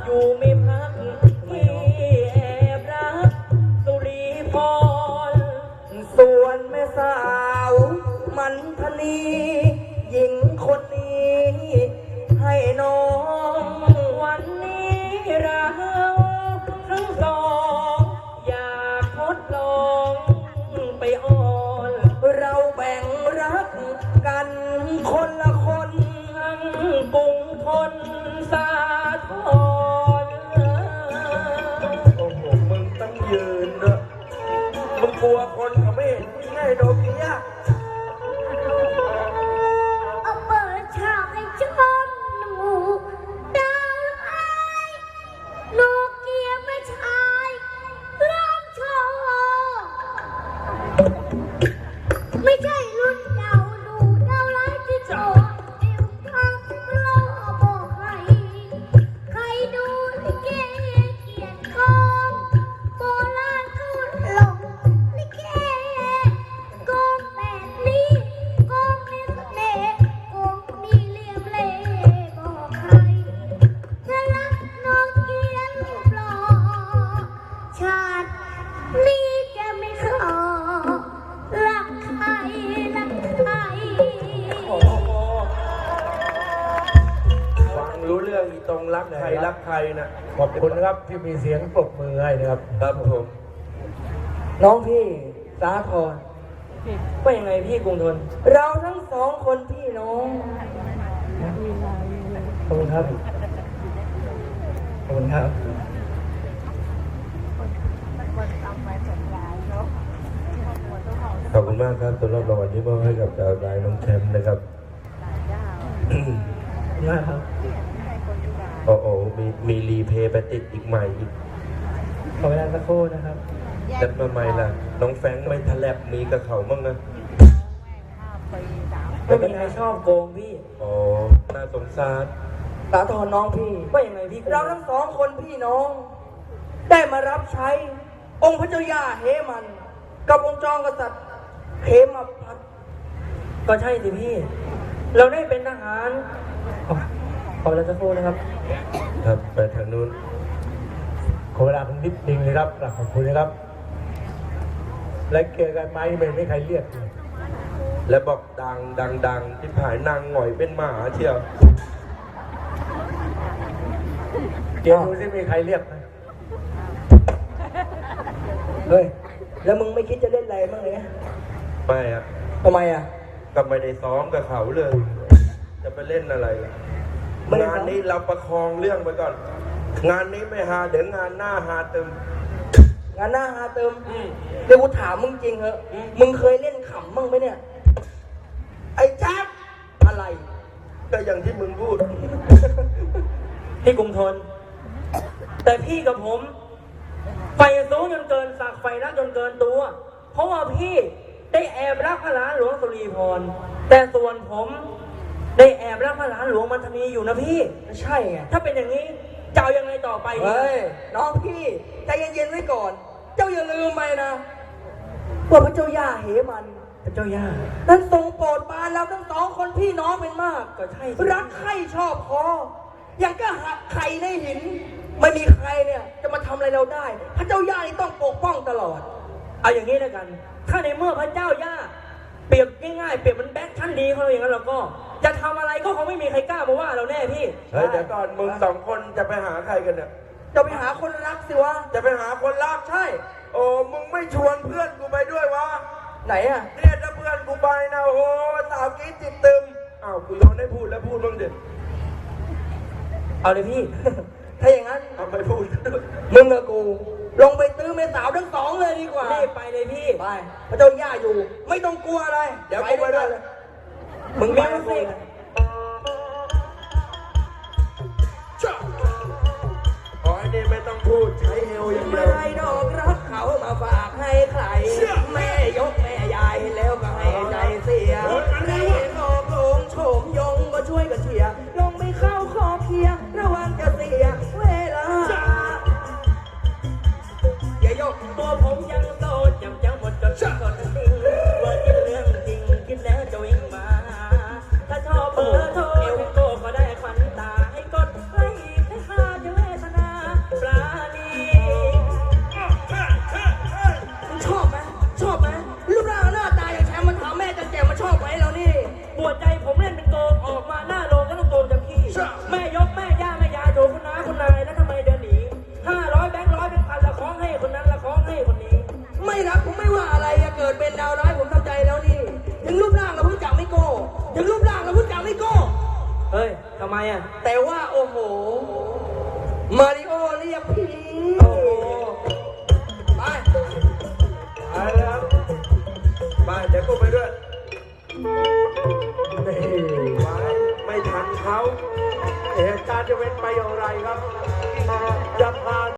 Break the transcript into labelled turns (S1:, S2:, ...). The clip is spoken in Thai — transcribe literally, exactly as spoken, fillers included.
S1: อยู่ไม่พักที่แอบรักสุรีพรส่วนแม่สาวมันทนีหญิงคนนี้ให้น้องวันนี้เราทั้งสองอยากทดลองไปอ่อนเราแบ่งรักกันคนละคนทั้งกรุงทนสาทร
S2: โอ้โหมึงต้องยืนเนอะมึงกลัวคนเขาไม่เห็นง่ายโดนเนี้ย
S3: เอาเปิดฉากให้ชมหนูดาวไอ้โนเกียไม่ชายร้องโชว์ไม่ใช่รุ่นดาวดูดาวไร้ที่โชว์เอวทางรอบอกใครใครดูลิเกเกียรติกองโบราณก็หลงลิเกกองแบบนี้กองมีเสน่ห์กองมีเหลี่ยมเล่ห์บอกใครถ้ารักน้องเกียรติรูปหล่อชาตินี้จะไม่ขอรักใครรักใคร
S2: โอ้โหฟังรู้เรื่องอีตรงรักใครรักใครนะขอบคุณนะครับที่มีเสียงปรบมือให้นะครับครับผม
S1: น้องพี่สาธรว่ายังไงพี่กรุงทนเราทั้งสองคนพี่น้องขอบคุณครับขอบคุณครับ
S2: ขอบคุณมากครับสำหรับรางวัลที่มอบให้กับดาวดายน้องแชมป์นะครับ
S1: มากครับ
S2: โอ้โหมีมีรีเพย์ไปติดอีกใหม่อีก
S1: ขอเวลาสักครู่นะครับ
S2: แต่ทำไมล่ะน้องแฟงไม่ทะแลบมีกับเขาบ้างนะ
S1: ไม่มีใครชอบโกงพี่
S2: อ๋อน่าสงสาร
S1: สาธรน้องพี่ว่ายังไงพี่เราทั้งสองคนพี่น้องได้มารับใช้องค์พระเจ้าย่าเฮมันกับองค์จองกษัตริย์เฮมพัทก็ใช่สิพี่เราได้เป็นทหารขอเวลาสักครู่นะครับ
S2: ครับไปทางนู้น
S4: ขอเวลาผมนิดนึงเลยครับขอบคุณนะครับและเกี่ยวกันไหมไม่ไม่ใครเรียก
S2: แล้วบอกดังดังดังที่ผายนางหน่อยเป็นหมาเชียว
S4: เกี่ยวดูสิมีใครเรียกไหม
S1: เฮ้ยแล้วมึงไม่คิดจะเล่นอะไรบ้างเลย
S2: ไม่อะ
S1: ทำไมอะ
S2: ก็ไม่ได้ซ้อมกับเขาเลย จะไปเล่นอะไรงานนี้เราประคองเรื่องไปก่อนงานนี้ไม่หาเดี๋ยวงานหน้าหาเติม
S1: งานหน้าหาเติมเดี๋ยวกูถามมึงจริงเหรอมึงเคยเล่นขำบ้างไหมเนี่ยไอ้แจ๊บอะไร
S2: ก็อย่างที่มึงพูด
S1: พี่กรุงทนแต่พี่กับผมไฟสูงจนเกินสักไฟรักจนเกินตัวเพราะว่าพี่ได้แอบรักพระหลานหลวงสุรีพรแต่ส่วนผมได้แอบรักพระหลานหลวงมันธนีอยู่นะพี่ใช่ไงถ้าเป็นอย่างนี้เจ้ายังไงต่อไปเฮ้ยน้องพี่ใจเย็นๆไว้ก่อนเจ้าอย่าลืมไปนะว่าพระเจ้าย่าเหมันพระเจ้าย่านั้นทรงโปรดปรานเราทั้งสองคนพี่น้องเป็นมากก็ใช่รักใคร่ชอบพออย่างก็หักไข่ในหินไม่มีใครเนี่ยจะมาทำอะไรเราได้พระเจ้าย่านี่ต้องปกป้องตลอดเอาอย่างนี้แล้วกันถ้าในเมื่อพระเจ้าย่าเปรียบง่ายๆเปรียบมันแบ็คชั้นดีเขาอย่างนั้นเราก็จะทำอะไรก็คงไม่มีใครกล้ามาว่าเราแน่พี่
S2: เฮ้ยเดี๋ยวก่อนมึงสองคนจะไปหาใครกันเนี่ย
S1: จะไปหาคนรักสิวะ
S2: จะไปหาคนรัก
S1: ใช่
S2: โอ้มึงไม่ชวนเพื่อนกูไปด้วยวะ
S1: ไหนอะ
S2: เนี่ยถ้าเพื่อนกูไปนะโอ้สาวกิ๊ดติดตึมอ้าวกูโยนให้พูดแล้วพูดบ้างเด็ด
S1: เอาเลยพี่ถ้าอย่างนั้น
S2: เอาไปพูด
S1: มึงกับกูลงไปตื้อแม่สาวทั้งสองเลยดีกว่ารีบไปเลยพี่ไปพระเจ้าย่าอยู่ไม่ต้องกลัวอะไร
S2: เดี๋ยวกูไปด้วย
S1: มึงมีมิวสิก
S2: ขอให้นี่ไม่ต้องพูดใช้เอวอย่างเดียว
S1: ไม่ดอกรักเขามาฝากให้ใครแม่ยกแม่ยายแล้วก็ให้ใจเสียใครเห็นออกโงโฉมยงก็ช่วยกันเชียร์ลงไม่เข้าคอเคียระวังจะเสียเวลาอย่ายกตัวผมยังโสดจำจังหมดจนกดจริงว่าคิดเรื่องจริงคิดแล้วจะวิ่งมาถ้าชอบ
S5: ถึงรูปร่างแล้วพูดจาไม่โก้
S1: เฮ้ยทำไมอ่ะ
S5: แต่ว่าโอ้โห มาริโอเรียกพี่
S1: โอ้โห
S5: ไป
S2: ไปเลยครับไปเดี๋ยวกูไปด้วย
S4: นี่
S2: ไปไม่ทันเขา
S4: เหตุการณ์จะเป็นไปอย่างไรครับ จะผ่าน